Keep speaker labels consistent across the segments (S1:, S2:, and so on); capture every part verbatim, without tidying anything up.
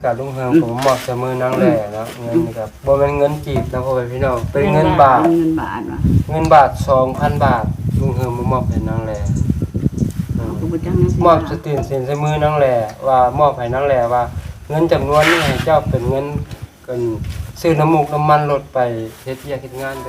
S1: กับลุงเฮืองผมมอบเสมอนางแหล่เนาะเงินนี่ครับบ่แม่นเงินจีบนะพ่อแม่พี่น้องเป็นเงินบาท
S2: เงินบาทว่ะ
S1: เงินบาท สองพัน บาทลุงเฮืองมามอบให้นางแหล่มอบสตินสินใส่มือนางแหล่ว่ามอบให้นางแหล่ว่าเงินจำนวนนี้ให้เจ้าเป็นเงินกันซื้อน้ำมูกน้ำมันรถไปเฮ็ดเวียกเฮ็ดงานเด้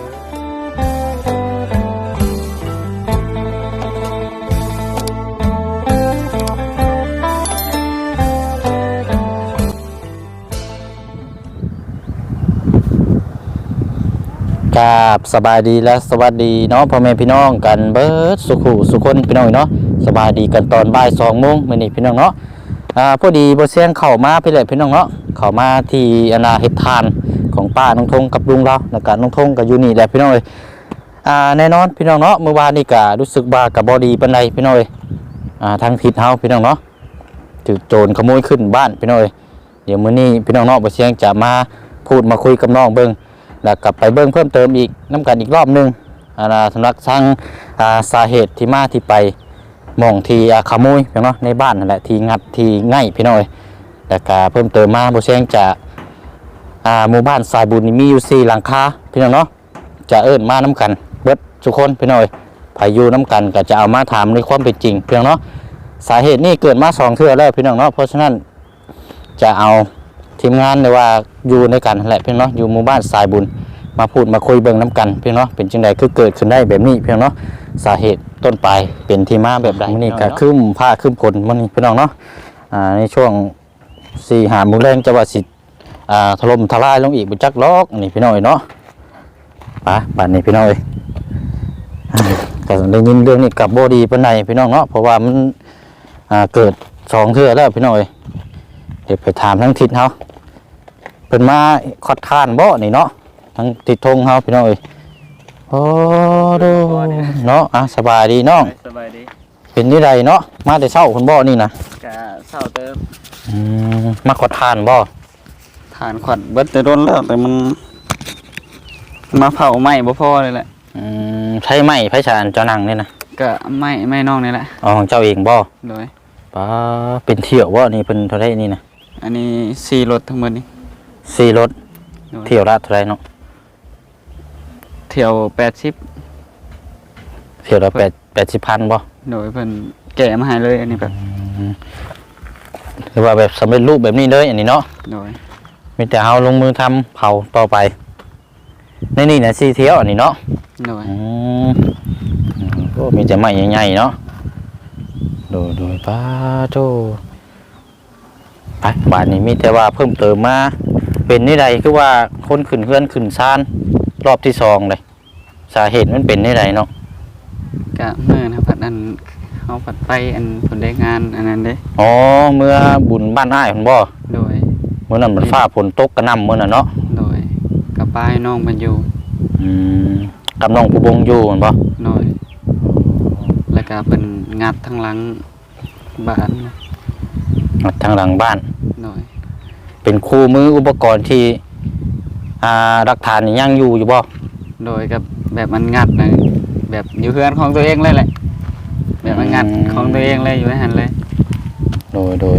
S1: อกราบสบายดีและสวัสดีเนาะพ่อแม่พี่น้องกันเบิดสุขุสุคนพี่น้องเนาะสบายดีกันตอนบ่ายสองโมงมื้อนี้พี่น้องเนาะอ่าพอดีบ่เสียงเข้ามาพี่แหละพี่น้องเนาะเข้ามาที่อนาเฮ็ดทานของป้าน้องทงกับลุงเราแล้วก็น้องทงก็อยู่นี่แหละพี่น้องเอ้ยอ่าแน่นอนพี่น้องเนาะเมื่อวานนี้ก็รู้สึกว่าก็บ่ดีปานใดพี่น้องเอ้ยอ่าทางทิศเฮาพี่น้องเนาะถูกโจรขโมยขึ้นบ้านพี่น้องเอ้ยเดี๋ยวมื้อนี้พี่น้องเนาะบ่เสียงจะมาพูดมาคุยกับน้องเบิ่งแล้วกลับไปเบิ่งเพิ่มเติมอีกน้ำกันอีกรอบนึงอ่าสำหรับทางอ่าสาเหตุที่มาที่ไปมองที่ขโมยพี่น้องในบ้านนั่นแหละที่งัดที่ง่ายพี่น้องแล้วก็เพิ่มเติมมาบ่เสียงจะอ่าหมู่บ้านสายบุญมีอยู่สี่หลังคาพี่น้องเนาะจะเอิ้นมาน้ำกันเบิดทุกคนพี่น้องพายุน้ำกันก็จะเอามาถามในความเป็นจริงพี่น้องเนาะสาเหตุนี้เกิดมาสองเทื่อแล้วพี่น้องเนาะเพราะฉะนั้นจะเอาทีมงานเลยว่าอยู่ในกันแหละพี่น้องเนาะอยู่หมู่บ้านสายบุญมาพูดมาคุยเบิ่งน้ำกันพี่น้องเนาะเป็นจังใดคือเกิดขึ้นได้แบบนี้พี่น้องเนาะสาเหตุต้นปลายเป็นที่มาแบบใดนี่ก็คืมผ้าคืมผลมันนี่พี่น้องเนาะอ่าในช่วงสี่หาโมงแรงจะว่าสิอ่าถล่มทลายลงอีกบ่จักล็อกนี่พี่น้องเนาะปะบัดนี้พี่น้องเอ้ยก็ได้ยินเรื่องนี้กับบ่ดีปานใดพี่น้องเนาะเพราะว่ามันอ่าเกิดสองเทื่อแล้วพี่น้องเอ้ยเดี๋ยวไปถามทั้งทิศเฮาเพิ่นมาคอดค้านบ่นี่เนาะทั้งทิศทงเฮาพี่น้องเอ้ยโอ้ดูเนาะอ่ะสบายดีน้อง
S3: สบายดี
S1: เป็นนี่ใดเนาะมาแต่เช้าคุณบ่นี่นะ
S3: กะเช้าเติม
S1: อืมมาคอดค้านบ่
S3: ทานขวัญเบิดแต่โดนแล้วแต่มันมาเผาไหม้บ่พอเลยแหละ
S1: อืมใช้ไม้ไผชานเจ้านั่งนี่นะ
S3: ก็ไหม้ไหม้น้องนี่แหละ
S1: อ๋อของเจ้าเองบ่
S3: โดย
S1: ป้าเป็นเที่ยวบ่นี่เพิ่นเท่าใดนี่นะ
S3: อันนี้สี่รถทั้งหมดนี่
S1: สี่รถเที่ยวละเท่าไหร่เนาะ
S3: เที่ยวแปดสิบ
S1: เที่ยวละแปด แปดสิบพันบ่
S3: โดยเพิ่นแกะมาให้เลยอันนี้แบบ
S1: คือว่าแบบสำเร็จรูปแบบนี้เลยอันนี้เนาะ
S3: โดย
S1: มีแต่เฮาลงมือทำเผาต่อไปในนี่น่ะสี่เที่ยวอันนี้เนาะ
S3: โดย
S1: อืมก็มีแต่ไม้ใหญ่ๆเนาะโดยโดยป้าโตไปบ้านนี้มีแต่ว่าเพิ่มเติมมาเป็นนี่ใดคือว่าคนขึ้นเฮือนขึ้นซานรอบที่สองเลยสาเหตุมันเป็นนี่ใดเนาะ
S3: กะเมื่อนะผัดอันเฮาผัดไปอันผลได้งานอันนั้นเด้
S1: อ๋อเมื่อบุญบ้านอ้ายเพิ่นบ่
S3: โดย
S1: เมื่อนั้นมันฟ้าฝนตกกระหน่ำมื้อนั้นเนาะ
S3: โดยกับป้ายน้องมันอยู่
S1: อืมกับน้องผู้บงอยู่แม่นบ่
S3: โดยแล้วก็เป็นงัดทางหลังบ้าน
S1: งัดทางหลังบ้าน
S3: โดย
S1: เป็นคู่มืออุปกรณ์ที่อ่าหลักฐานนี่ยังอยู่อยู่บ่
S3: โดยกับแบบมันงัดนะแบบอยู่เฮือนของตัวเองเลยแหละแบบมันงัดของตัวเองเลยอยู่ในหันเลย
S1: โดยโดย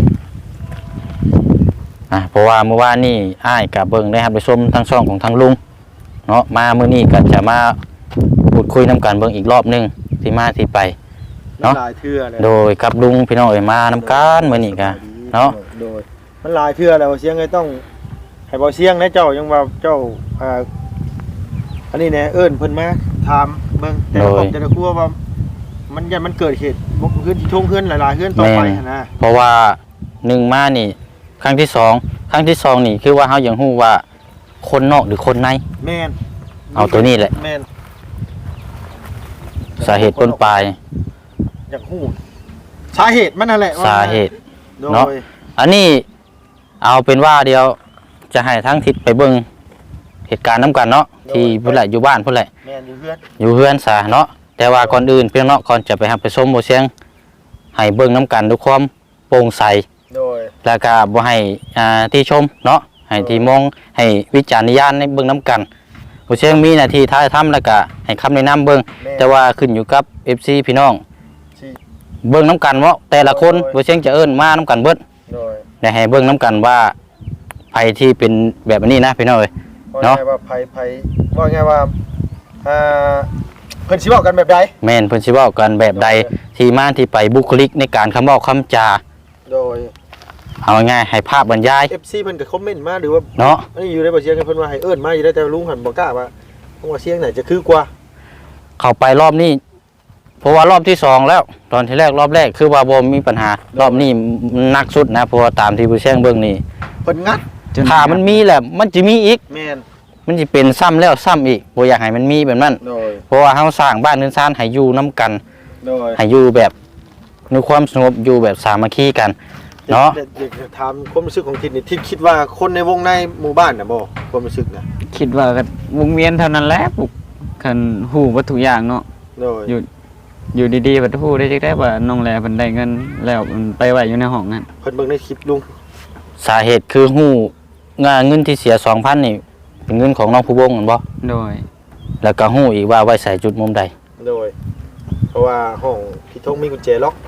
S1: อ่ะเพราะว่าเมื่อวานนี่อ้ายกับเบิ่งได้ครับไปชมทั้งช่องของทั้งลุงเนาะมามื้อนี้ก็จะมาพูดคุยนำกันเบิ่งอีกรอบนึงที่มาที่ไปเนาะโดยกับลุงพี่น้องเอ้ยมานำกันมื้อนี้ก็เนาะ
S4: โดยมันหลายเทื่อแล้วเสียงไงต้องให้บ่เสียงนะเจ้ายังว่าเจ้าอ่าอันนี้แน่เอิ้นเพิ่นมาถามเบิ่งแต่ผมจะได้กลัวว่ามันยันมันเกิดเหตุบ่ขึ้นช่วงขึ้นหลายๆขึ้นต่อไปนะ
S1: เพราะว่าหนึ่งมานี่ครั้งที่สองครั้งที่สองนี่คือว่าเฮายังฮู้ว่าคนนอกหรือคนใน
S4: แม่น
S1: เอาตัวนี้แหละ
S4: แม่น
S1: สาเหตุต้นปลาย
S4: อยากฮู้สาเหตุมันนั่นแหละ
S1: สาเหตุเนาะอันนี้เอาเป็นว่าเดียวจะให้ทั้งทิศไปเบิ่งเหตุการณ์นำกันเนาะที่พุ่นแหละอยู่บ้านพุ่นแหละ
S4: แม่นอยู่เฮือน
S1: อยู่เฮือนซะเนาะแต่ว่าก่อนอื่นเพียงเนาะก่อนจะไปรับไปชมบ่เสียงให้เบิ่งนำกันด้วยความโปร่งใส
S4: โดย
S1: แล้วก็บ่ให้อ่าที่ชมเนาะให้ที่มองให้วิจารณญาณในเบิ่งนำกันบ่เสียงมีหน้าที่ท้ายทำแล้วก็ให้คำแนะนำเบิ่งแต่ว่าขึ้นอยู่กับ เอฟ ซี พี่น้องเบิ่งนำกันว่าแต่ละคนบ่เสียงจะเอิ้นมานำกันเบิด
S4: โดย
S1: ได้ให้เบิ่งนำกันว่าภัยที่เป็นแบบนี้นะพี่น้องเอ้ย
S4: ว่า
S1: เนาะ
S4: ไงว่าไผไผว่าไงว่าอ่าเพิ่นสิเว้ากันแบบใด
S1: แม่นเพิ่นสิเว้ากันแบบใดที่มาที่ไปบุคลิกในการคำเว้าคำจา
S4: โดย
S1: เอาง่ายๆให้ภาพบรรยาย
S4: เอฟ ซี เพิ่นก็คอมเมนต์มาหรือว่า
S1: เนาะ
S4: อันนี้อยู่ในบ่เสียงเพิ่นว่าให้เอิ้นมาอยู่ได้แต่ลุงหันบ่กล้าว่าผมว่าเสียงไหนจะคือกว่า
S1: เข้าไปรอบนี้เพราะว่ารอบที่สองแล้ว ตอนที่แรกรอบแรกคือว่าบ่มีปัญหารอบนี้หนักสุดนะเพราะว่าตามที่ผู้แจ้งเบิ่งนี่
S4: เพิ่นงัด
S1: ถ้ามันมีแหละมันจะมีอีก
S4: แม่น
S1: มันจะเป็นซ้ำแล้วซ้ำอีกบ่อยากให้มันมีแบบนั้น
S4: โดย
S1: เพราะว่าเฮาสร้างบ้านเรือนซ่านให้อยู่นํกัน
S4: โดย
S1: ให้อยู่แบบในความสงบอยู่แบบสามัคคีกันเนาะ
S4: อยากจะถามความรู้สึกของทิศนี่ทิศคิดว่าคนในวงในหมู่บ้านน่ะบ่ความรู้สึกน่ะ
S3: คิดว่าก็วงเวียนเท่านั้นแหละปลุกคันฮู้ว่าทุกอย่างเนาะ
S4: โดย
S3: อยู่อยู่ดีๆบัดฮู้ได้จักได้ว่าน้องแลเพิ่นได้เงินแล้วมันไปไว้อยู่ในห้องนั้น
S4: เพิ่นเบิ่งในคลิปลุง
S1: สาเหตุคือฮู้งานเงินที่เสีย สองพัน นี่เป็นเงินของน้องผู้บงแม่นบ่
S3: โดย
S1: แล้วก็ฮู้อีกว่าไว้ใส่จุดมุมใด
S4: โดย เพราะว่าห้องพี่ทงมีกุญแจล็อก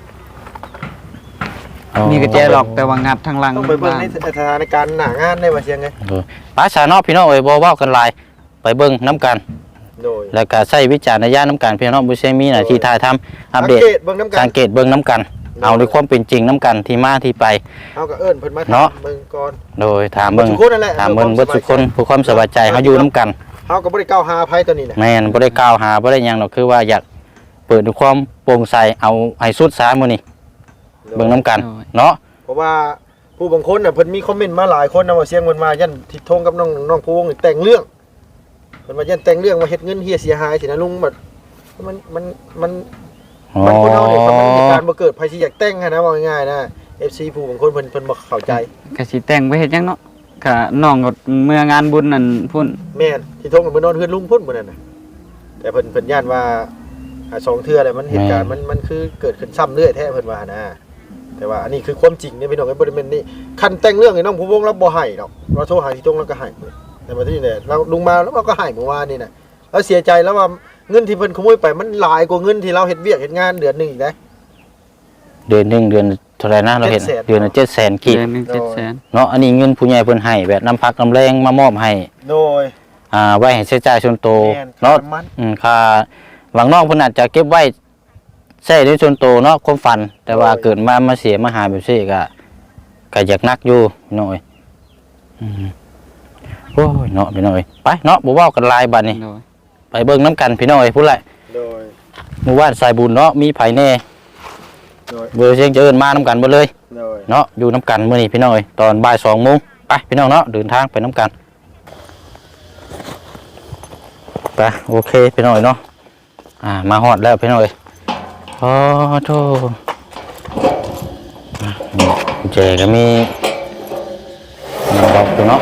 S3: มีกระแจหรอกแต่ว่างัดทางหลัง
S4: ต้องไปเบิ่งในสถานการณ์หน้างานได้ว่าเสียงไง
S1: เออป้าสาเนาะพี่น้องเอ้ยบ่เว้ากันหลายไปเบิ่งนํกัน
S4: โดย
S1: แล้วก็ใช้วิจารณญาณนํกันพี่น้องบ่ใช่มีหน้าที่ถ่ายทำอัปเดต
S4: สังเกตเบิ่งน้ำกั
S1: สั
S4: น
S1: งเกตเบิ่งนํกัน เอาในความเป็นจริงนํกันที่มาที่ไป
S4: เอาก็เอิ้นเพิ่นมา
S1: เนาะ
S4: เบิ่งก่อน
S1: โดยถามเบิ่ง
S4: ทุกคนนั่นแหละ
S1: ถามเบิ่งเบิดทุกคนเพื่อความสบายใจเฮาอยู่นํกัน
S4: เฮาก็บ่ได้กล่าวหาไผตัวนี้น่ะ
S1: แม่นบ่ได้กล่าวหาบ่ได้หยังหรอกคือว่าอยากเปิดด้วยความโปร่งใสเอาให้สุดซะมื้อนี้เบิ่งนํกันเนาะ
S4: เพราะว่าผู้บางคนน่ะเพิ่นมีคอมเมนต์มาหลายคนนะว่าเสียงเพิ่นมายันทิศทงกับน้องน้องผู้วงนี่แต่งเรื่องเพิ่นว่ายันแต่งเรื่องว่าเฮ็ดเงินเฮียเสียหายสินะลุงแบบมันมันมัน
S1: อ๋อ
S4: มันคนเฮาเนี่ยมันเหตุการณ์บ่เกิดไผสิอยากแต่งหันนะว่าง่ายๆนะ เอฟ ซี ผู้บางคนเพิ่นเพิ่นบ่เข้าใจ
S3: ก็สิแต่งไปเฮ็ดหยังเนาะก็น้องก็เมื่องานบุญนั่นพุ่น
S4: แม่นทิศทงก็เพิ่นนอนเฮือนลุงพุ่นบ่นั่นน่ะแต่เพิ่นเพิ่นย่านว่าอ่าสองเทื่อแล้วมันเหตุการณ์มันมันคือเกิดขึ้นซ้ำเรื่อยแท้เพิ่นว่านะแต่ว่าอันนี้คือความจริงเนี่ยพี่น้องไอ้บ่ได้แม่นนี่คันแต่งเรื่องให้น้องผู้วงเราบ่ให้ดอกเราโทรหาทิศทงแล้วก็ให้แต่ว่าที่นี่เราลุงมาแล้วเราก็ให้เมื่อวานนี่น่ะแล้วเสียใจแล้วว่าเงินที่เพิ่นขโมยไปมันหลายกว่าเงินที่เราเฮ็ดเวียกเฮ็ดงานเดือนหนึงอีกนะ
S1: เดือนหนึงเดือนเท่าไหร่นะเราเห็น
S4: เจ็ดแสน
S1: เดือนละเจ็ดแสนกีบ
S3: เดือนหนึงเจ็ดแสน
S1: เนาะอันนี้เงินผู้ใหญ่เพิ่นให้แบบน้ำพักน้ำแรงมามอบให้
S4: โดย
S1: อ่าไว้ให้ใช้จ่ายส่วนตัว
S4: แม่น
S1: เนาะ
S4: ค่าน้ำมัน
S1: อืมค่าหวังนอกเพิ่นอาจจะเก็บไว้ใช้ในส่วนตัวเนาะความฝัน แต่ว่าเกิดมามาเสียมาหาแบบนี้ก็ก็อยากนักอยู่พี่น้อยอืมโอ้ยเนาะพี่น้อยไปเนาะบ่เว้ากันหลายบัดนี้
S3: โดย
S1: ไปเบิ่งน้ำกันพี่น้อยพูดแหละ
S4: โดย
S1: หมู่บ้านสายบุญเนาะมีไผแน่
S4: โดย
S1: เบอร์เสียงจะเอิ้นมาน้ำกันเบ่เลย
S4: โดย
S1: เนาะอยู่น้ำกันมื้อนี้พี่น้อยตอนบ่ายสองโมงไปพี่น้องเนาะเดินทางไปน้ำกันไปโอเคพี่น้อยเนาะอ่ามาฮอดแล้วพี่น้อยโอ้โธ่อ่ะนี่กุญแจก็มีนี่ล็อกอยู่เนาะ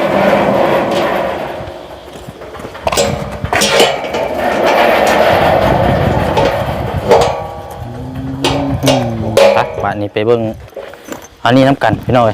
S1: อืมไปบ้านนี้ไปเบิ่งอันนี้น้ำกันพี่น้อย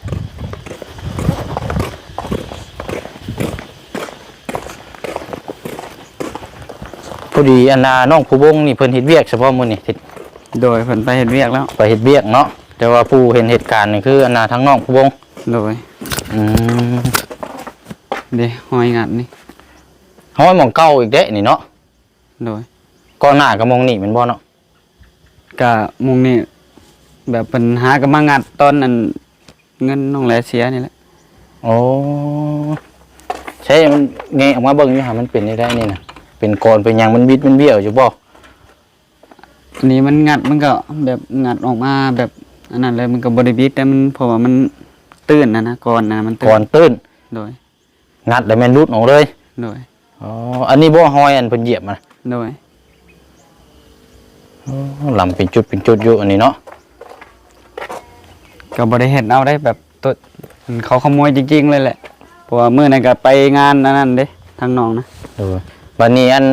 S1: พอดีอันนาน้องผู้บงนี่เพิ่นเฮ็ดเวียกเฉพาะมื้อนี่ทิศ
S3: โดยเพิ่นไปเฮ็ดเวียกแล้ว
S1: ไปเฮ็ดเวียกเนาะแต่ว่าผู้เห็นเหตุการณ์นี่คืออันนาทั้งน้องผู้บง
S3: โดย
S1: อืม
S3: เด้หอยงัดนี่
S1: เฮาให้หม่องเก่าอีกเด้นี่เนาะ
S3: โดย
S1: ก่อนหน้าก็มองนี่แม่นบ่เนาะ
S3: ก็มุงนี่แบบเพิ่นหาก็มางัดตอนนั้นเงินน้องแลเสียนี่แหละ
S1: โอ้ใช่มันแงะออกมาเบิ่งอยู่หามันเป็นได้ได้นี่น่ะเป็นกรเป็นหยังมันบิดมันเบี้ยวอยู่บ่
S3: อันนี้มันงัดมันก็แบบงัดออกมาแบบอันนั้นเลยมันก็บ่ได้บิดแต่มันเพราะว่ามันตื้นนะนะก่อนนะมันตื้
S1: ก่อนตื้น
S3: โดย
S1: งัดแล้วแม่นรุดออกเลย
S3: โดย
S1: อ๋ออันนี้บ่หอยอันเพิ่นเหยียบมา
S3: โดย
S1: อ๋อลำเป็นจุดเป็นจุดอยู่อันนี้เนาะ
S3: ก็บ่ได้เห็นเอาได้แบบตัวเขาขโมยจริงๆเลยแหละเพราะว่ามื้อนั้นก็ไปงานอันนั้นเด้ทางน้องนะ
S1: เออบัดนี้อัน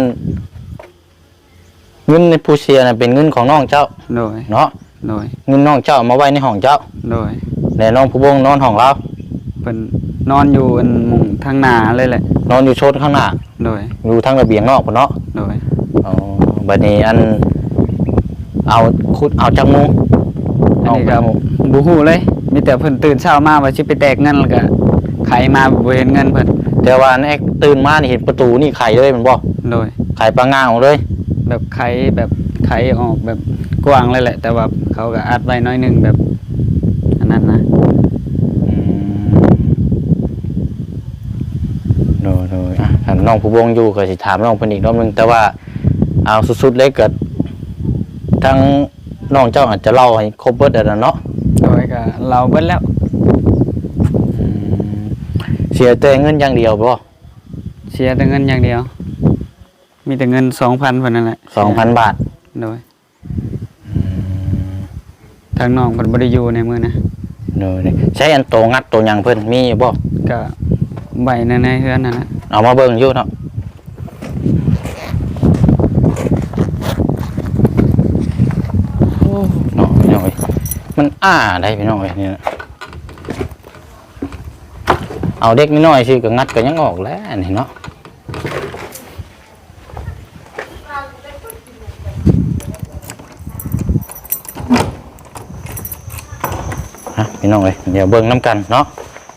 S1: เงินในผู้เสียน่ะเป็นเงินของน้องเจ้า
S3: โดย
S1: เนาะ
S3: โดย
S1: เงินน้องเจ้าเอามาไว้ในห้องเจ้า
S3: โดย
S1: แต่น้องผู้บงนอนห้องเรา
S3: เพิ่นนอนอยู่อันมุงทางหน้าเลยแหละ
S1: นอนอยู่โซนข้างหน้า
S3: โดย
S1: อยู่ทางระเบียงนอกพุ่นเนาะ
S3: โดย
S1: อ๋อบัดนี้อันเอาคุดเอาจังมุง
S3: อันนี้ก็บ่ฮู้เลยมีแต่เพิ่นตื่นเช้ามาว่าสิไปแตกเงินแล้วก็คขมาบ่เห็นเงินเพิ่น
S1: แต่ว่าแอกตื่นมานี่เห็นประตูนี่ไขเลยแมันบ่
S3: โดย
S1: ไขปลาง่างออกเลย
S3: แบบไขแบบไขออกแบบกว้างเลยแหละ แต่ว่าเขาก็อัดไว้น้อยหนึงแบบอันนั้นนะ
S1: อืมโดยโดยอ่ะถามน้องผู้วงอยู่ก็สิถามน้องเพิ่นอีกรอบนึงแต่ว่าเอาสุดๆเลยก็ทั้งน้องเจ้าอาจจะเล่าให้ครบเบิดแล้วเนาะ
S3: โดยก็เราเบิดแล้ว
S1: อืมเสียแต่เงินอย่างเดียวบ่
S3: เสียแต่เงินอย่างเดียว มีแต่เงิน สองพัน เพิ่นนั่นแหละ
S1: สองพัน บาท
S3: โดยทางน้องเพิ่นบ่ได้อยู่ในมือนะ
S1: โดยนี่ใช้อันโตงัดโตหยังเพิ่นมีอยู่บ่
S3: ก็ใบในในเฮือนนั่นแหละ
S1: เอามาเบิ่งอยู่เนาะโอ้เนาะพี่น้องเอ้ยมันอ้าได้พี่น้องเอ้ยนี่นะเอาเด็กน้อยๆสิก็งัดก็ยังออกแล้วนี่เนาะฮะพี่น้องเอ้ยเดี๋ยวเบิ่งน้ำกันเนาะ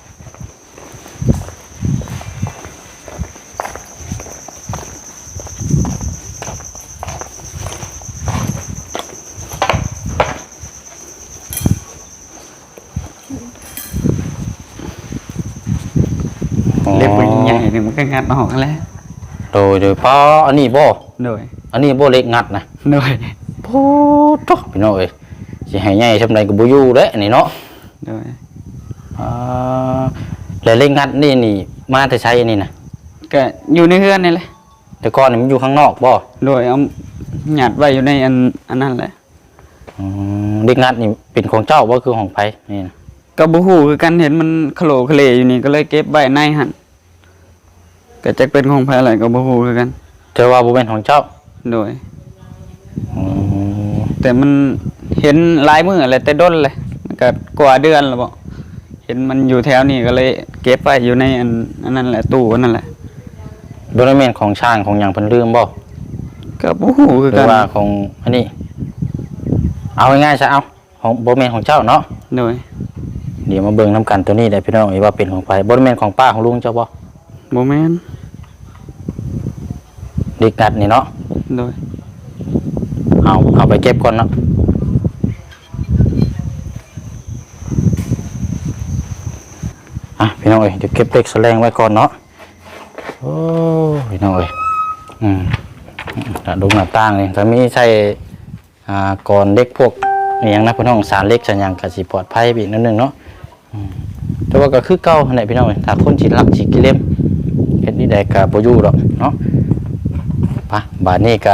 S3: เล็บมันใหญ่นี่มันก็งัดออกแล้ว
S1: โดยโดยเพราะอันนี้บ่
S3: โดย
S1: อันนี้บ่เล็กงัดนะ
S3: โดย
S1: โอ้ตพี่น้องเอ้ยสิให้ใหญ่ซำใดก็บ่อยู่เด้อันนี้เนาะ
S3: โดย
S1: อ่าแล้วเล็กงัดนี่นี่มาแต่ใช้อันนี้นะ
S3: ก็อยู่ในเฮือนนี่แหละ
S1: แต่ก่อนนี่มันอยู่ข้างนอกบ่
S3: โดยเอาหยัดไว้อยู่ในอันอันนั้นแหละ
S1: อืมเล็กงัดนี่เป็นของเจ้าบ่คือของไผนี่นะ
S3: ก็บ่ฮู้คือกันเห็นมันโคลเคลอยู่นี่ก็เลยเก็บไว้ในหั่นก็จักเป็นของไผอะไรก็บ่ฮู้คือกัน
S1: แต่ว่าบ่เป็นของเจ้า
S3: โดย
S1: อืม
S3: แต่มันเห็นหลายมื้อแหละแต่ด้นเลยมันก็กว่าเดือนแล้วบ่เห็นมันอยู่แถวนี้ก็เลยเก็บไว้อยู่ในอันอันนั้นแหละตู้อันนั้นแหละ
S1: บ่ได้แม่นของช่างของหยังเพิ่นลืมบ่
S3: ก็บ่ฮู้คือ
S1: หรื
S3: กั
S1: อน ว่าของอันนี้ เอาง่ายๆซะเอาของบ่แม่นของเจ้าเนาะ
S3: โดย
S1: เดี๋ยวมาเบิ่งนํกันตัวนี้ได้พี่น้องว่าเป็นของไผบ่ได้แม่นของป้าของลุงเจ้าบ่
S3: บ่แม่น
S1: เล็กงัดนี่เนาะ
S3: โดย
S1: เอาเอาไปเก็บก่อนเนาะอ่ะพี่น้องเอ้ยเดี๋ยวเก็บเล็กแสลงไว้ก่อนเนาะโอ้พี่น้องเอ้ยอืมอ่ะดูหน้าต่างนี่ถ้ามีใช้อ่าก่อนเล็กพวกอหย่างนะพี่น้องสารเล็กสัญญางก็สิปลอดภัยไปอีกนิดนึงเนาะอืมแต่ว่าก็คือเก่าหั่นแหละพี่น้องเอ้ยถ้าคนสิรักสิกิเลมเฮ็ดนี่ได้ก็บ่อยู่ดอกเนาะไปบาดนี้ก็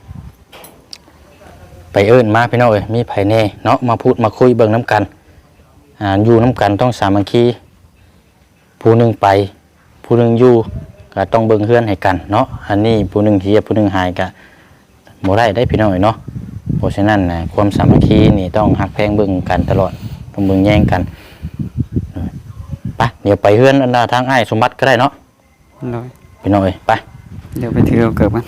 S1: ไปเอิ้นมาพี่น้องเอ้ยมีไผแน่เนาะมาพูดมาคุยเบิ่งน้ำกันอ่าอยู่น้ำกันต้องสามัคคีผู้หนึงไปผู้หนึงอยู่ก็ต้องเบิ่งเฮือนให้กันเนาะอันนี้ผู้หนึงเฮียผู้หนึงหายก็บ่ได้ได้พี่น้องเอ้ยเนาะเพราะฉะนั้นนะความสามัคคีนี่ต้องฮักแพงเบิ่งกันตลอดต้องเบิ่งแย่งกันไปเดี๋ยวไปเฮือนอันดาทางอ้ายสมบัติก็ได้เนาะ
S3: โดย
S1: พี่น้องเอ้ยไป
S3: เดี๋ยวไปถือเอาเกิบมัน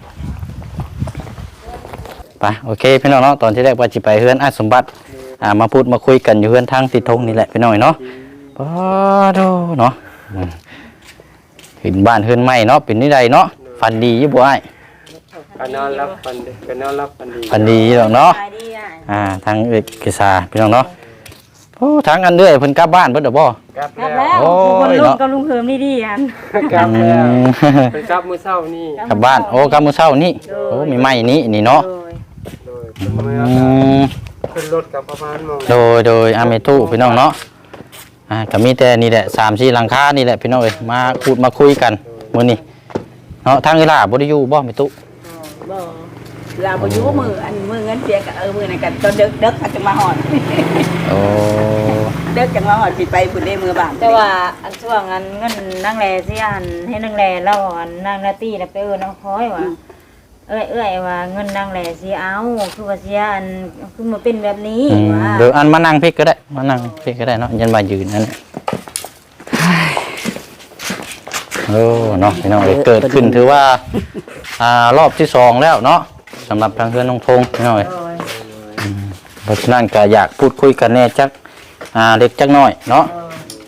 S1: ไปโอเคพี่น้องเนาะตอนที่แรกว่าจิไปเฮือนอาสมบัติอ่ามาพูดมาคุยกันอยู่เฮือนทางติดธงนี่แหละพี่น้องเนาะป้าโดเนาะอืมเห็นบ้านเฮือนใหม่เนาะเป็นนี่ใดเนาะฟันดีอยู่บ่อ้าย
S2: ก็นอนรับฟันดีก็นอนรับฟันดี
S1: ฟันดีอยู่ดอกเนาะอ่าทางเอกษาพี่น้องเนาะโอ้ทางอันเด้อยเพิ่นกลับบ้านเพิ่นดอกบ่
S2: กลับ
S5: กลับ
S2: แล้
S5: แล้ว วคนลุงกับลุงเพิ่มนี่ดีอัน
S2: กลับแล้ว
S1: อืม
S2: เป็นกลับมื้อเช้านี่
S1: กลับบ้านโอ้กลับมื้อเช้านี่โอ้มีไม้นี้นี่เนาะ
S5: โดย
S2: โดยเป็นเมื่อ
S1: อืม
S2: ขึ้นรถกับประมาณโมง
S1: โดยโดยอาเมตุพี่น้องเนาะอ่าก็มีแต่นี่แหละสามสี่หลังคานี่แหละพี่น้องเอ้ยมาพูดมาคุยกันมื้อนี้เนาะทางเวลาบ่ได้อยู่บ่เมตุ
S5: บ่เราบ่อยู่มืออันมือเงินเสียกับเออมือนั่นกันตอนเด็กเด็กอาจจะมาหอด
S1: โอ้
S5: เด็กจังมาหอดสิไปพุ่นได้มือบาน
S6: แต่ว่าอันช่วงอันเงินนั่งแลสิอันให้นั่งแลแล้วอันนั่งนาตี้แล้วไปเออน้องคอยว่าเอ้ยเอ้ยว่าเงินนั่งแลสิเอาคือว่าเสียอันคือมาเป็นแบบนี้
S1: อืม
S6: ว่า
S1: เดี๋ยวอันมานั่งพลิกก็ได้มานั่งพลิกก็ได้เนาะยันมายืนนั่นแหละโอ้เนาะพี่น้องเอ้ยเกิดขึ้นถือว่าอ่ารอบที่สองแล้วเนาะสำหรับทางเพื่อนน้องพงษ์พี่น้องเอ้ย
S6: โดย
S1: เพราะฉะนั้นก็อยากพูดคุยกันแน่จักอ่าเล็กจักน้อยเนาะเพราะ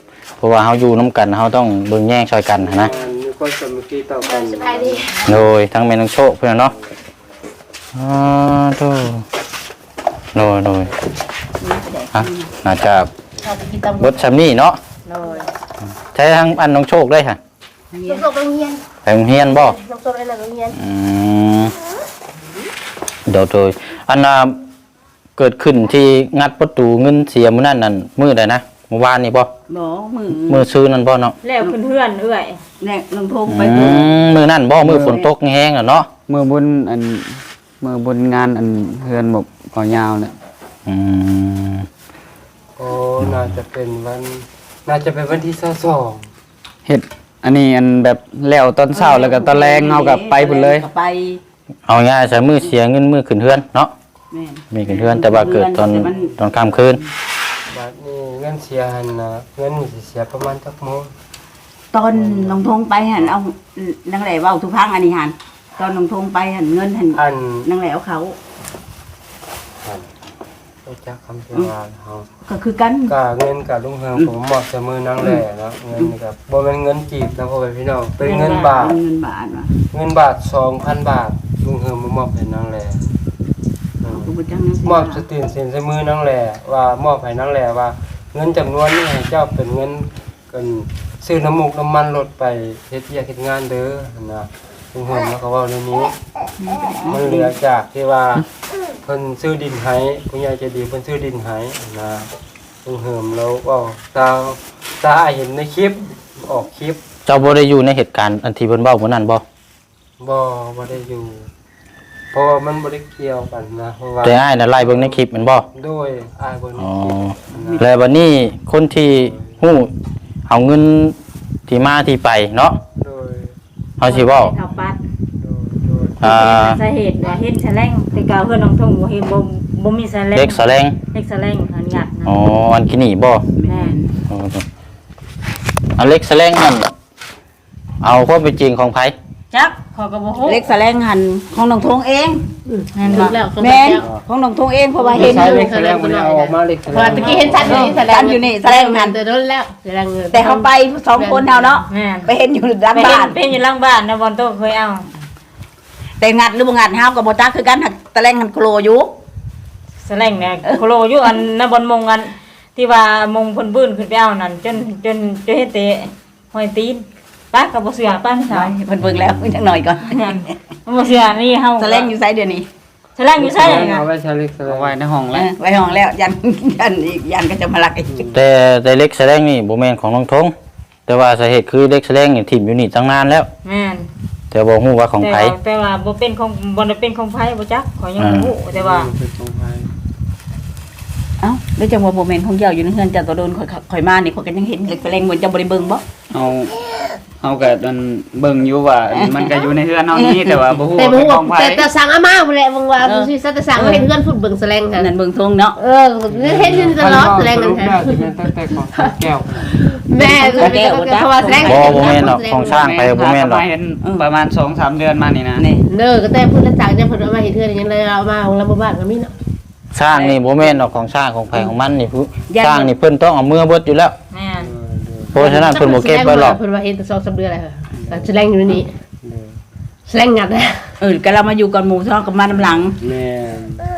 S1: ราะว่าเฮาอยู่นํกันเฮาต้องเบิ่งแย่งช่วยกันหั้นนะ
S2: มันมีคนสามัคคีต่อกัน
S6: สบายดี
S1: โดยทั้งแม่น้องโชคเพิ่นน่ะเนาะอ๋อโตโดยโดยฮะน่าจะ
S6: เราไปกินตำ
S1: เบิดซำนี้เนาะ
S6: เลย
S1: ใช้ทางอันน้องโชคได้ค่ะ
S6: ลูกโรงเรียน
S1: ไปโรงเรียนบ่
S6: ลูกโรงเรียนโรงเรียน
S1: อืมเดี๋ยวโดยอันน่ะเกิดขึ้นที่งัดประตูเงินเสียมื้อนั้นนั่นมื้อใดนะเมื่อวานนี่บ่
S5: บ่มือ
S1: มื้อซื้อนั่นบ่เนาะ
S6: แล้วเพื่อนๆเอื้อย
S5: แน่ลงทงไป
S1: อืมมื้อนั้นบ่มื้อฝนตกแห้งอ่ะเนาะ
S3: มือบนอันมือบนงานอันเฮือนหมกก่อยาวเนี่ย
S1: อืม
S2: โอ้น่าจะเป็นวันน่าจะเป็นวันที่สอง
S3: เฮ็ดอันนี้อันแบบแล้วตอนเช้าแล้วก็ตอนแรงเอากับไปพุ่นเลย
S5: ก็ไป
S1: เอาง่ายใช้มื้อเสียเงินมื้อขึ้นเฮือนเนาะ
S5: แม่น
S1: มีขึ้นเฮือนแต่ว่าเกิดตอน
S5: แต่มัน
S1: ตอนค่ำคืน
S2: บัดนี้เงินเสียหันนะเงินนี่สิเสียประมาณจักโมง
S5: ตอนลงทงไปหันเอานางแหล่เว้าทุกครั้งอันนี้หันตอนลงทงไปหันเงินหัน
S2: อัน
S5: นางแหล่เอาเขา
S2: อันรู้จักคำเทวาเฮา
S5: ก็คือกัน
S2: กะเงินกับลุงเฮืองผมมอบเสมอนางแหล่เนาะเงินนี่ก็บ่แม่นเงินจีบนะพ่อแม่พี่น้องเป็นเงินบาท
S5: เงินบาทว่ะ
S2: เงินบาท สองพัน บาทลุงเฮืองมามอบให้นางแหล่อืม
S5: กูบ่จังนั้น
S2: มอบสตินเซ็นใส่มือนางแหล่ว่ามอบให้นางแหล่ว่า เงินจำนวนนี้ให้เจ้าเป็นเงินกันซื้อน้ำมูกน้ำมันรถไปเฮ็ดเวียกเฮ็ดงานเด้อนะลุงเฮืองแล้วก็เว้าเรื่องนี้ มันเหลือจากที่ว่าเพิ่นซื้อดินให้ผู้ใหญ่ใจดีเพิ่นซื้อดินให้นะลุงเฮืองแล้วเว้าตาตาเห็นในคลิปออกคลิป
S1: เจ้าบ่ได้อยู่ในเหตุการณ์อันที่เพิ่นเว้ามื้อนั้นบ่
S2: บ่บ่ได้อยู่ เพราะว่ามันบ่ได้เกี่ยวกันนะเพราะว่า
S1: แต่อ้ายน่ะไล่เบิ่งในคลิปแม่นบ่
S2: โดยอายเบิ่งใน
S1: อ๋อ
S2: คลิปนะ
S1: แล้ววันนี้คนที่ฮู้เอาเงินที่มาที่ไปเนาะ
S2: โดย
S1: เฮาสิเว้า
S6: เอาปัด
S2: โดยโดย
S1: อ่า
S6: สาเหตุว่าเฮ็ดแฉลงแต่กาวเพื่อนน้องทงบ่เฮ็ดบ่บ่มีแฉลง
S1: เล็กแสลง
S6: เล็กแฉลงหันงัดนะ
S1: อ๋ออันกินี่บ่
S6: แม่น
S1: อ๋ออันเล็กแสลงนั่นเอาความเป็นจริงของไผ
S6: จักขอยก็บ่ฮู้
S5: เล็กแสลงหันของน้องทงเอง
S6: แม่นบ่
S5: แม่นของน้องทงเองเพราะว่าเห็น
S2: ใช้
S5: อยู่
S2: เล็กแสดงบ่ได้เอาออกมาเล็กแสด
S7: พอง ตะกี้เห็นชัดเลยแสด
S5: กั
S7: ง
S5: นอยู่นี่แสลงหัน
S7: แต่โดนแล้วแสดงเงิน
S5: แต่เขาไปสองคนเฮาเนาะ
S6: แม่น
S5: ไปเห็นอยู่ด้าน
S6: ไปเห็
S5: บ้าน น
S6: เป็นอยู่หลังบ้านนะบอลโตเคยเอา
S5: แต่งัดหรือบ่งัดเฮาก็บ่จักคือกันหักแสลงหันโครอยู่
S6: แฉลงเนี่ยโคโลอยู่อันนะบอลมงอันที่ว่ามงเพิ่นบื้นขึ้นไปเอานั่นจนจนจนเฮ็ดเตะห้อยตีนป้าก็บ่เชื่อป้าไม่ถาม
S5: เพิ่นเบิ่งแล้วจักหน่อยก่อน
S6: บ่เชื่อนี่เฮา
S5: แสลงอยู่ไสเดี๋ยวนี้
S6: แฉลงอยู่ไส
S2: เอาไว้ใช้เล็กแสด
S3: เอา
S2: ง
S3: ไว้ในห้อง
S5: เอ
S3: แล้ว
S5: อไว้ห้องแล้วยันยันอีกยันก็จะมาลักอีก
S1: แต่แต่เล็กแสลงนี่บ่แม่นของน้องทงแต่ว่าสาเหตุคือเล็กแสลงนี่ถิ่มอยู่นี่ตั้งนานแล้ว
S6: แม่น
S1: แต่บ่ฮู้ว่าของ
S6: แต่
S1: ไผ
S6: ว่าแต่ว่าบ่เป็นของบ่ได้เป็นของไผบ่จักขอยยังบ่ฮู้แต่ว่า
S2: เป็นของไผ
S5: เอ้าแล้วจังว่าบ่แม่นของเจ้าอยู่ในเฮือนเจ้าตัวโดนข่อยข่อยมานี่ข่อยก็ยังเห็นเล็กแสลงเหมือนเจ้าบ่ได้เบิ่งบ่
S3: เอาเอาก็อันเบิ่งอยู่ว่ามันก็อยู่ในเฮือนเฮานี้แต่ว่าบ่ฮู้
S7: แต่
S3: ว่า
S7: บ่
S3: เป็น
S7: ฮู้
S3: ของไผ
S7: แต่แต่สั่งอาม่าบ่แหละบางว่าบ่สิแต่สั่งให้เพื่อนพูดเบิ่งแสดงค่ะ
S5: นั่นเบิ่งทงเนาะ
S7: เออเห็นอยู่ตลอดแสดงกันค่ะ
S2: สรุปแล้วสิเป็นตั้งแต่ของแก้ว
S7: แม่เพราะว่าแสดง
S1: บ่บ่แม่นหรอกของสร้างไปบ่แม่นหรอก
S3: เห็นประมาณ สองสาม เดือนมานี่นะ
S5: นี่
S7: เด้อก็แต่พูดแล้วจากเนี่ยเพิ่นเอามาเฮ็ดเทื่อยังเลยเอามาของเราบ่บ้านก็มีเนาะ
S1: สร้างนี่บ่แม่นหรอกของสร้างของไผของมันนี่ผู้สร้างนี่เพิ่นต้องเอามือเบิดอยู่แล้ว
S6: แม่น
S1: เพราะฉะนั้นเพิ่นบ่เก็บไว้หรอก
S7: เพิ่นว่าเฮ็ดแต่สองสามเดือนแล้วค่ะแต่แสดงอยู่นี่แสดงงัดนะ
S5: เออก็เรามาอยู่ก่อนหมู่ซ้อกับมาน้ำหลัง
S2: แม่น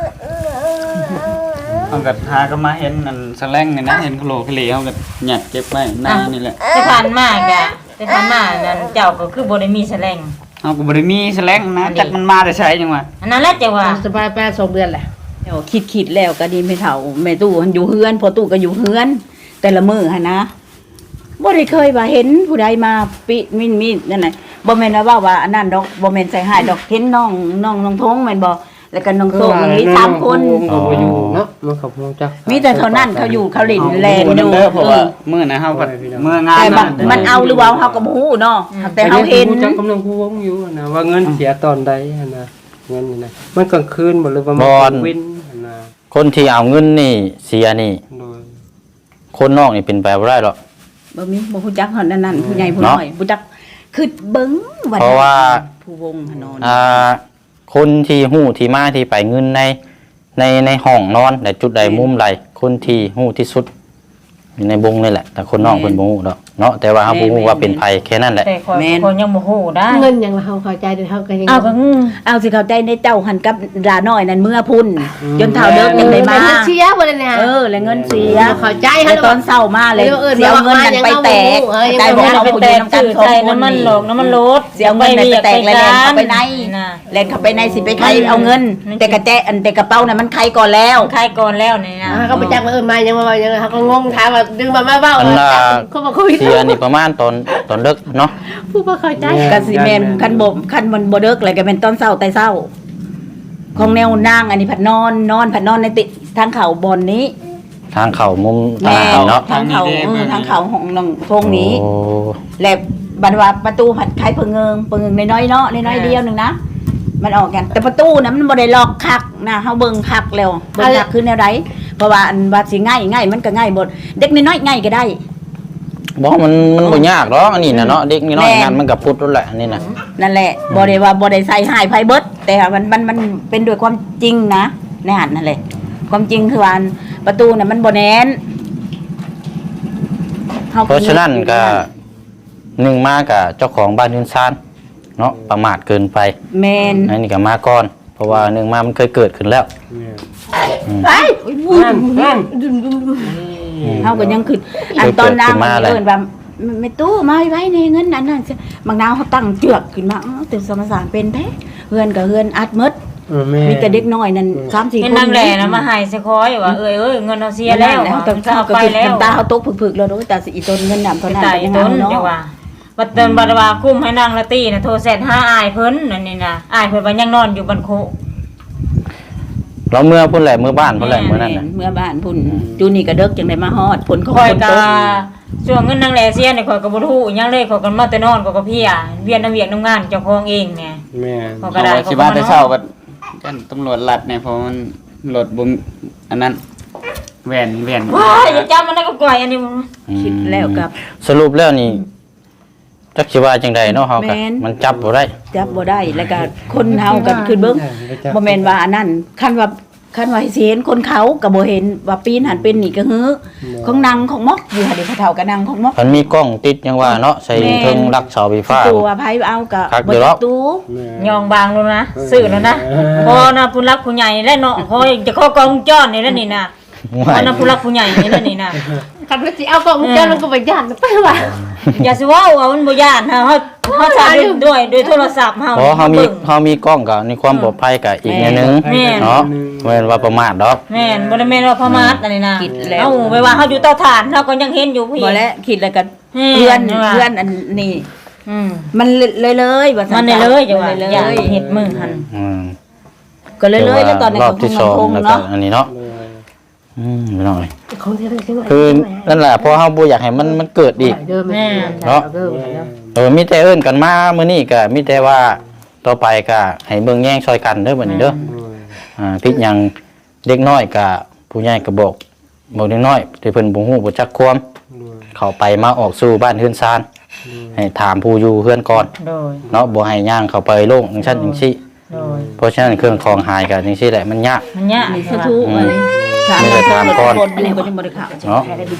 S3: เอาก็หาก็มาเห็นอันสแลงนี่นะเห็นโคโลคลีเฮาก็หยัดเก็บไว้ในนี่แหละ
S6: แต่ผ่านมาก็แต่ผ่านมานั่นเจ้าก็คือบ่ได้มีแฉลง
S3: เฮาก็บ่ได้มีสแลงนะจักมันมาแต่ไสจังว่า
S6: อันนั้นแหละจะว่า
S7: สบายไปสองเดือนแหละ
S5: เดี๋ยวคิดคิดแล้วก็ดีไม่เท่าแม่ตู้หันอยู่เฮือนพอตู้ก็อยู่เฮือน แต่ละมื้อหั่นนะบ่ได้เคยว่าเห็นผู้ใดมาปิมินมีนั่นน่ะบ่แม่นว่าว่าอันนั้นดอกบ่แม่นใส่หายดอกเห็นน้องน้องน้องทงแม่นบ่แล้วก็น้องโซกมีสามคน
S2: ก็บ่อยู่เนาะมันขับฮู้จัก
S5: มีแต่เท่านั้นเขาอยู่เขาเล่นแลน
S3: บ่
S5: อ
S3: ได้
S5: ยู่
S3: เด้อเพราะว่า
S5: เออ
S3: มื้อนะเฮาก็มื้องาน
S5: แต่มั
S3: น่ะ
S5: นมันเอาหรือว่าเฮาก็บ่ฮู้เนาะแต่เฮาเห็น
S2: จักกำลังผู้วงอยู่นะว่าเงินเสียตอนใดหั่นนะเงินนี่นะมันกลางคืนบ่หรือว่ามัน
S1: บ่อน
S2: วินหั่นนะ
S1: คนที่เอาเงินนี่เสียนี่
S2: โดย
S1: คนนอกนี่เป็นไปบ่ได้หรอก
S5: บ่มีบ่ฮู้จักเฮานั่นนั่นผู้ใหญ่ผู้
S1: เนาะ
S5: น้อยบ่จักคือเบิ่งวัน
S1: เพราะว่า
S5: ผู้วงหนอน
S1: อ่าคนที่ฮู้ที่มาที่ไปเงินในในในห้องนอนแต่จุดใดมุมใดคนที่ฮู้ที่สุดอยู่ในวงนี่แหละแต่คนนอกเพิ่นบ่ฮู้ดอกเนาะแต่ว่าเฮาบ่ฮู้ว่าเป็นไผแค่นั้นแหละ
S6: แต่คนคนยังบ่ฮู้ได้
S7: เงินอย่างเราเข้าใจเดี๋ยวเขาก็ยัง
S6: เอาก็งง
S5: เอาสิเข้าใจในเจ้าหันกับดาน้อยนั่นเมื่อพุ่นจนเท่าเดิมยังได้มา
S7: เงินเชียร์บ่ได้เนี่ย
S5: เออแล้วเงินเสีย
S7: เข้าใจ
S5: แล้
S7: ฮะ
S5: วตอนเศร้ามาเลยเสียเงินนั่นไปแตกใจบ่
S6: เอา
S5: เอา
S6: ไป
S5: ผู้
S6: แต
S5: ยื
S6: ก
S5: นนำกัน
S6: สื่อ
S5: สอง
S6: ใจ
S5: คน
S6: น้ำมันหลอกน้ำมันลด
S5: เสียเงินนั่นไปแตกแล้วแลนเข้าไปใน
S6: น่ะ
S5: แลนเข้าไปในสิไปใครเอาเงิน แต่กระแจอันแต่กระเป๋าน่ะมันใครก่อนแล้ว
S6: ใครก่อนแล้วนี่นะ
S7: เขาไปจักมาเออมายังมายังเขาก็งงถามว่าดึงมามาเบ้า
S1: อันน่ะ
S7: เขาบอกคุย
S1: เสียนี่ประมาณตอนตอนเลิกเนาะ
S7: ผู้บ่เข้าใจ
S5: กสิแมนคันบ่คันมันบ่เลิกเลยก็เป็นตอนเช้าแต่เช้า ของแนวนางอันนี้ผัดนอนนอนผัดนอนในติทางเขาบนนี้
S1: ทางเข้ามุมทาง
S5: แม่
S1: เข้าเนาะ
S5: ทางเขาเออทางเขาของน้องพงนี้
S1: โอ้
S5: และบัดว่าประตูผัดไขเพิงเงิงเพิงเงิงน้อยๆเนาะน้อยๆเดียวหนึงนะมันออกกัน แต่ประตูน่ะมันบ่ได้ล็อกคักนะเฮาเบิ่งคักแล้วเบิ่งคักคือแนวใดเพราะว่าอันว่าสิง่ายง่ายมันก็ง่ายหมดเด็กน้อยๆง่ายก็ได้
S1: บ่มันมันบ่ยากหรอกอันนี้น่ะเนาะเด็กน้อย
S5: แม่
S1: ๆงานมันก็พุดนั่นแหละอันนี้น่ะ
S5: นั่นแหละบ่ได้ว่าบ่ได้ใส่หายไผเบิดแต่ว่ามันมันมันเป็นด้วยความจริงนะในหันนั่นแหละความจริงคือว่าอันประตูน่ะมันบ่แน่นฮ
S1: เพราะฉะนั้นก็หนึ่งมากับเจ้าของบ้านยืนซานเนาะประมาทเกินไป
S5: แม่น
S1: อันนี้ก็มาก่อน เพราะว่าหนึ่งมามันเคยเกิดขึ้นแล้ว
S5: ไป
S2: นั่นนั่น
S5: เฮาก็ยังคืออันตอนนางมันเอิ้นว่าไม่ตู้มาไว้ในเงินนั้นนั่นบางนาวเขาตั้งเจือกขึ้นมาอ้าวแต่สมสารเป็นแท้เฮือนก็เฮือนอัดหมด
S2: เออแม่
S5: มีแต่เด็กน้อยนั่นสามสี่
S6: เห็น
S5: คน
S6: นางแหล่นะมาให้สิคอยว่าเอ้ยเอ้ยเงินเราเสียแล้ว
S5: แล้ว
S6: ต้
S5: ต้
S6: อ
S5: อง ง
S6: เอา
S5: เอา
S6: ไป
S5: ไป
S6: แล้
S5: แล้ว วตาเขาตกผึกๆแล้วโดยแต่สิอีตนเงินนำเท่านั้น
S6: ตาย
S5: ก็ยัง
S6: ต้
S5: เอา
S6: น
S5: เนาะ
S6: จังว่าบัดเตินบัดว่าคุ้มให้นางละตีน่ะโทรเสร็จหาอายเพิ่นนั่นนี่น่ะอายเพิ่นว่ายังนอนอยู่บันโค
S1: เราเมื่อพุ่นแหละเมื่อบ้านพุ่นแหละเมื่อนั้นน่ะ
S5: เมื่อบ้านพุ่นจูนี่ก็เด็กจังได้มาฮอดผลของ
S6: คอย
S5: ฝน
S6: กะ
S5: ตก
S6: ช่วงเงินนางแหล่เสียนี่ข่อยก็บ่รู้อิหยังเลยข่อยก็มาแต่นอนข่อยก็เพลียเวียนน้ำเวียกน้ำงานเจ้าของเองเนี่ย
S2: แม่
S6: ข่อยก็
S3: เอา
S6: ได้
S3: ไว้สิว่าแต่เช้าก็กันตำรวจลัดเนี่ยเพราะมันรถบ่มอันนั้นแว่นแว่น
S6: ว้ายอย่าจำมันได้ก็ก่อยอันนี้
S5: คิดแล้วกับ
S1: สรุปแล้วนี่จักสิว่าจังใดเนาะเฮาก็
S5: แม่น
S1: มันจับบ่ได้
S5: จับบ่ได้แล้วก็คนเฮากันคือเบิ่งบ่แม่นว่าอันนั้นคันว่าคันว่าสิเห็นคนเขาก็บ่เห็นว่าปีนหันเป็นนี่ก็ฮือของนางของมอกอยู่หาเดี๋ยวเขาเฒ่ากับนางของมอก
S1: มันมีกล้องติดยังว่าเนาะใส่
S5: แม่น
S1: เทิงรักเสาไฟฟ้า
S5: ตัวไผเอาก็
S1: คัก
S5: บ่
S1: อยู่หร
S5: จั
S1: อก
S5: กตู้
S6: ยองบางแล้วนะซื้อแล้วนะพอนะผู้รักผู้ใหญ่และเนาะพอจะเข้ากองจ้อนนี่แล้วนี่นะพอนะผู้รักผู้ใหญ่นี่แล้วนี่นะ
S7: คันว่าสิเอากล้องเจ้ามันก็ไปย่านไปว่า
S6: อย่าสิว่าเอามันบ่ย่านเฮาเฮาเฮาถ่ายด้วยด้วยโทรศัพท์เฮา
S1: เพราะเฮามีเฮามีกล้องก็ในความปลอดภัยก็อีกแนวหนึง
S6: แม่น
S1: เนาะบ่แม่นว่าประมาทดอก
S6: แม่นบ่ได้แม่นว่าพม่าอันนี้นะ
S5: คิดแล้ว
S6: เอ้าไปว่าเฮาอยู่เตาถ่านเฮาก็ยังเห็นอยู่ผู้หญิ
S5: บ่
S6: ง
S5: แล้วคิดแล้วก็
S6: แม่
S5: เพื่อน
S6: นว่า
S5: เพื่อนอันนี้
S6: อืม
S5: มันเลยเลยว่า
S6: มั
S5: ซั่
S6: นได้เลยจังว่า
S5: เลย
S6: อย่า
S5: เลย
S6: เฮ็ดมือหั่น
S1: อืม
S5: ก็เลยเลยแล้วตอนนี้
S1: รอ
S5: ก็
S1: บ
S5: ค
S1: ที่
S5: ง
S1: สอง
S5: คง
S1: แล้วก็
S5: เนาะ
S1: อันนี้เนาะอืมไม่น้อย
S7: ของเท่าไหร่
S1: คือนั่นแหละเพราะเฮาบ่อยากให้มันมันเกิดอีก
S7: เดิมแม่
S1: เนาะ เออมีแต่เอิ้นกันมามื้อนี้ก็มีแต่ว่าต่อไปก็ให้เบิ่งแย่งซอยกันเด้อบัดนี้เด้ออ่าพิดหยังเด็กน้อยก็ผู้ใหญ่ก็บอกบอกเด็กน้อยที่เพิ่นบ่ฮู้บ่จักความเข้าไปมาออกสู่บ้านเฮือนซานให้ถามผู้อยู่เฮือนก่อน
S6: โดย
S1: เนาะบ่ให้ย่างเข้าไปโลงจังซั่นจังซี่
S6: โดย
S1: เพราะฉะนั้นเครื่องของหายก็จังซี่แหละมันยาก
S6: มันยาก
S5: นี่
S6: ใช่
S5: สะ
S6: ป่ะ
S5: ทุอันนี้
S1: ไม่ได้ถามก่อน
S5: อันนี้บ่ได้บ่ได้ข่าว
S1: เนาะ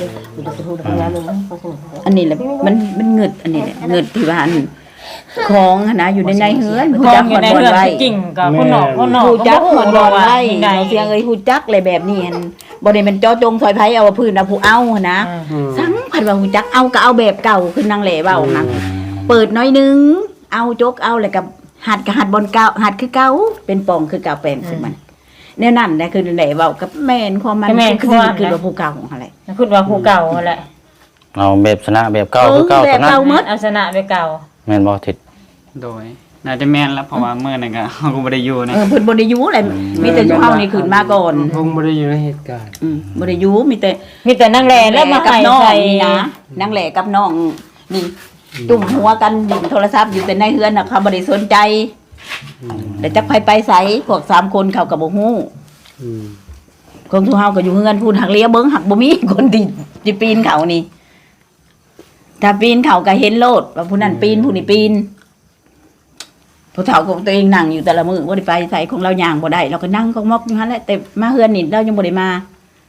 S5: อันนี้แหละมันมันเงิดอันนี้แหละเงิดที่ว่าอันของหั้นนะอยู่ในในเฮือน
S6: ค
S5: ฮู้
S6: อ
S5: จั
S6: ง
S5: ก
S6: อยู่ใน
S5: บ่
S6: เรือน
S5: ไว้
S6: จริงกับคนนอกคนนอก
S5: ฮู้จัก
S6: บ่
S5: บ่
S6: รู้
S5: บ่
S6: ว่า
S5: ไว้
S6: ที่ใด
S5: เสียงเอ้ยฮู้จักเลยแบบนี้หั่นบ่ได้เป็นเจาะจงซอยไผเอาว่าพื้นเอาผู้เอาหั่นนะสังพันว่าฮู้จักเอาก็เอาแบบเก่าคือนางแหล่เว้านะเปิดน้อยหนึงเอาจกเอาแล้วก็หัดก็หัดบนเก่าหัดคือเก่าเป็นปองคือเก่าแปลงซึ่งมันแนวนั้นแหละคือนางแหล่เว้ากับแม่นความมันคือคือว่าผู้เก่าอะไร
S6: คือว่าผู้เก่าแหละ
S1: เอาแบบชนะแบบเก่าคือเก่า
S5: เออ
S1: ตอนนั้น
S5: แบบเก่า หมด
S6: เอาชนะไปเก่า
S1: แม่นบ่ทิศ
S3: โดยน่าจะแม่นแล้วเพราะว่ามื้อนั้นก็ เฮาก็บ่ได้อยู่นะ
S5: เออเพิ่นบ่ได้อยู่อะไรมีแต่เฮานี่ขึ้นมาก่อน
S2: คงไม่ได้อยู่ในเหตุการณ์
S5: อืมบ่ได้อยู่มีแต่
S6: มีแต่นางแหล่แล้วมา
S5: กับ
S6: ให้
S5: น้อง
S6: ใส่
S5: นี่นะนางแหล่กับน้องนี่จุ่มหัวกันดินโทรศัพท์อยู่แต่ในเฮือนน่ะเขาบ่ได้สนใจแต่จักไผไปไสพวกสามคนเขาก็บ่ฮู้
S2: อืม
S5: ของทุเฮาก็อยู่เฮือนพูนหักเลี้ยเบิ่งหักบ่มีคนที่สิปีนเขานี่ถ้าปีนเขาก็เห็นโลดว่าผู้นั้นปีนผู้นี้ปีนผู้เฒ่าของตัวเองนั่งอยู่แต่ละมื้อบ่ได้ไปไสของเราย่างบ่ได้เราก็นั่งของมอกอยู่หั่นแหละแต่มาเฮือนนี่เรายังบ่ได้มา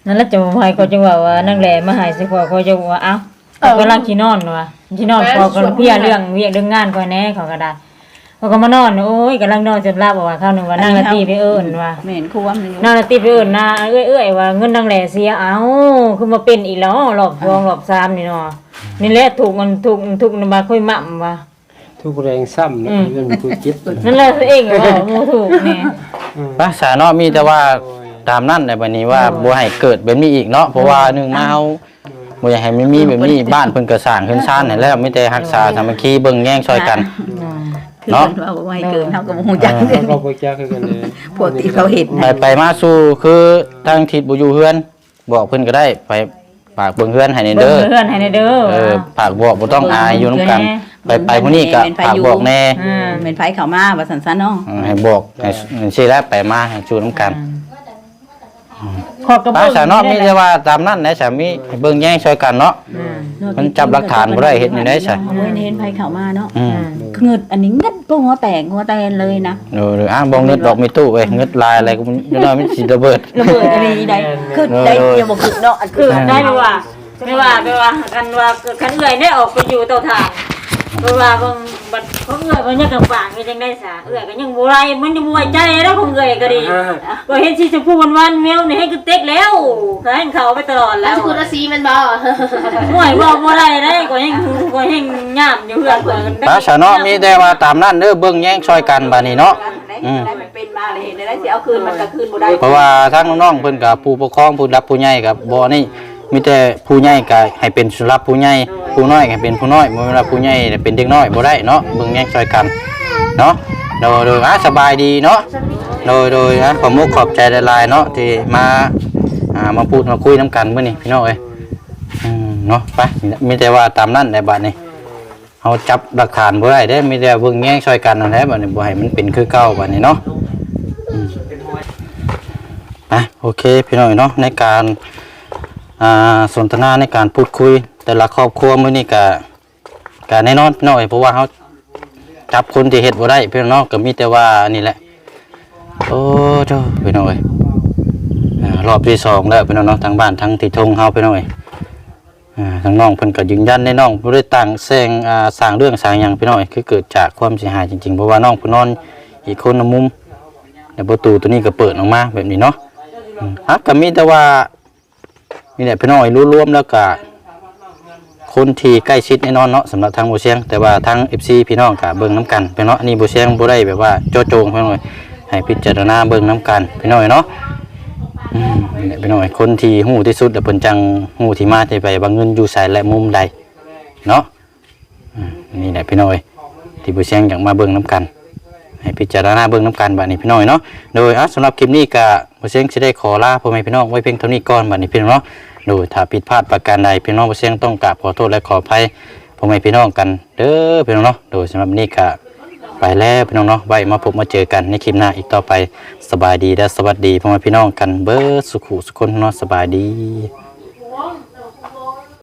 S6: นั่นแหละจะให้เขาจังว่าว่านั่งแลมาหายสิพอเขาจะว่าเอ้าเขากำลังสินอนว่ะสินอนพอก็เพียเรื่องเวียกเรื่องงานก่อนแน่เขาก็ได้เขาก็มานอนโอ้ยกำลังนอนจนหลับว่าข้าวนึงว่านั่งละตีไปเอิ้นว่า
S5: แม่นควมนี่
S6: นั่งละตีไปเอิ้นนะเอ้ยๆว่าเงินนั่งแลเสียเอ้าคือมาเป็นอีกแล้วรอบสองรอบสามนี่เนาะนี่แหละถูกมันถูกถูกนำมาค่อยมั่มว่า
S2: ทุกแรงซ้ำเนาะเงินกูคิด
S6: นั่นแหละตัวเองก็บ่บ่ถูกแน่
S1: ภาษาเนาะมีแต่ว่าตามนั่นในบัดนี้ว่าบ่ให้เกิดแบบนี้อีกเนาะเพราะว่าหนึ่งมาเฮาบ่อยากให้มันมีแบบนี้บ้านเพิ่นก็สร้างขึ้นซ่านให้แล้วมีแต่รักษาสามัคคีเบิ่งแย่งช่วยกัน
S5: คือ
S1: เนาะ
S5: เพิ่นว่าบ่ให้เกินเฮาก็บ่ฮู้จัก
S2: เขาก็บ่จักคือกันเลย
S5: พวกที่เขาเห็น
S1: ไปไปมาสู่คือทางทิศบ่อยู่เฮือนบอกเพิ่นก็ได้ไปฝากเบิ่งเฮือนให้ใน
S6: เด้
S1: เด้
S6: อ
S1: อ
S6: เพื่อนให้ในเด้อ
S1: เออฝากบอกบ่ต้องอายอยู่นํกัน ไปไปมื้อนี้ก็ฝากบอกแน่
S6: อืม
S5: แม่นไผเข้ามาว่าซั่นๆเนาะ
S1: เออให้บอกให้สิแล้วไปมาให้ชูนํกัน
S6: ขอกระ
S1: ภา
S6: เบื้อง
S1: ษาเนาะมีแต่ว่าตามนั้นนะสามีให้เบิ่งแย่งช่วยกันเนาะมันจับหลักฐานบ่ได้เฮ็ดนี่ได้ซะ
S5: เอาไว้เห็นไผเข้ามาเนาะ
S1: อืม
S5: คือเงิดอันนี้เงิดก็หัวแตกหัวแตนเลยนะ
S1: เอออ่ะบ่เงิดดอกมีตู้เว้ยเงิดลายอะไรก็มันเดี๋ยวน้อยมันสิระเบิด
S5: ระเบิดอะไรได้คือได้อย่าบอกคือเนาะอัน
S6: คื
S5: คือ อ
S6: ได้ไหมว่าไม่ว่าไม่ว่ากันว่าคันเอื่อยได้ออกไปอยู่เตาถ่านเพราะว่าบางบัดเขาเอื่อยมันยังกับปากก็ยังได้สาเอื่อยก็ยังบ่ไรมันยังบ่ไว้ใจแล้วของเอื่อยก็ดีก็เห็นสิชมพูวันๆแมวนี่ให้คือเต็กแล้วก็ให้เขาไปตลอด
S7: แล้
S6: แล้ว ว
S7: คุณอาซีมันบ่
S6: ห่วยบ่บ่ไรได้ก็ยังก็ยังย่ามอยู่เฮือนกัน
S1: ภาษาเนาะมีแต่ว่าตามนั้นเด้อเบิ่งแย่งช่วยกันบัดนี้เนาะ อืม
S5: ได้มันเป็นมาเลยเห็นได้สิเอาคืนมันก็คืนบ่ได้
S1: เพราะว่าทางน้องๆเพิ่นกับผู้ปกครองผู้รับผู้ใหญ่กับบ่นี่มีแต่ผู้ใหญ่ก็ให้เป็นสำหรับผู้ใหญ่ผู้น้อยก็ให้เป็นผู้น้อยบ่แม่นว่าผู้ใหญ่เป็นเด็กน้อยบ่ได้เนาะเบิ่งแย่งช่วยกันเนาะโดยโดยอ่ะสบายดีเนาะโดยโดยอ่ะขอมุกขอบใจหลายๆเนาะที่มาอ่ามาพูดมาคุยนํกันมื้อนี้พี่น้องเอ้ยอืมเนาะไปมีแต่ว่าตามนั้นได้บัดนี้เฮาจับหลักฐานบ่ได้เด้มีแต่เบิ่งแย่งช่วยกันนั่นแหละบัดนี้บ่ให้มันเป็นคือเก่าบัดนี้เนาะ อ่ะโอเคพี่น้องเนาะในการอ่าสนทนาในการพูดคุยแต่ละครอบครัวมื้อนี้ก็ก็แน่นอนพี่น้องเอ้ยเพราะว่าเฮาจับคนที่เฮ็ดบ่ได้พี่น้องก็มีแต่ว่านี่แหละโอ้เจ้าพี่น้องเอ้ยอ่ารอบที่สองแล้วพี่น้องเนาะทางบ้านทางที่ทงเฮาพี่น้องเอ้ยอ่าทางน้องเพิ่นก็ยืนยันในน้องบ่ได้ตั้งแซงอ่าสร้างเรื่องสร้างหยังพี่น้องเอ้ยคือเกิดจากความเสียหายจริงๆเพราะว่าน้องเพิ่นนอนอีกคนละมุมแล้วประตูตัวนี้ก็เปิดออกมาแบบนี้เนาะ ฮะก็มีแต่ว่ามีแต่พี่น้อยรู้รวมแล้วก็คนที่ใกล้ชิดแน่นอนเนาะสำหรับทางบ่เชียงแต่ว่าทาง เอฟ ซี พี่น้องก็เบิ่งน้ำกันพี่น้องอันนี้บ่เชียงบ่ได้แบบว่าโจโจงพี่น้อยให้พิจารณาเบิ่งน้ำกันพี่น้อยเนาะอืมนี่แหละพี่น้อยคนที่ฮู้ที่สุดแล้วเพิ่นจังฮู้ที่มาที่ไปว่าเงินอยู่ไสและมุมใดเนาะอืมนี่แหละพี่น้อยที่บ่เชียงอยากมาเบิ่งน้ำกัน ให้พิจารณาเบิ่งน้ำกันบัดนี้พี่น้องเนาะโดยอ่ะสำหรับคลิปนี้ก็บ่เสียงสิได้ขอลาพ่อแม่พี่น้องไว้เพียงเท่านี้ก่อนบัดนี้พี่น้องเนาะโดยถ้าผิดพลาดประการใดพี่น้องบ่เสียงต้องกราบขอโทษและขออภัยพ่อแม่พี่น้องกันเด้อพี่น้องเนาะโดยสำหรับนี้ก็ไปแล้วพี่น้องเนาะไว้มาพบมาเจอกันในคลิปหน้าอีกต่อไปสบายดีและสวัสดีพ่อแม่พี่น้องกันเบิดสุขุสุขคนเนาะสบายดี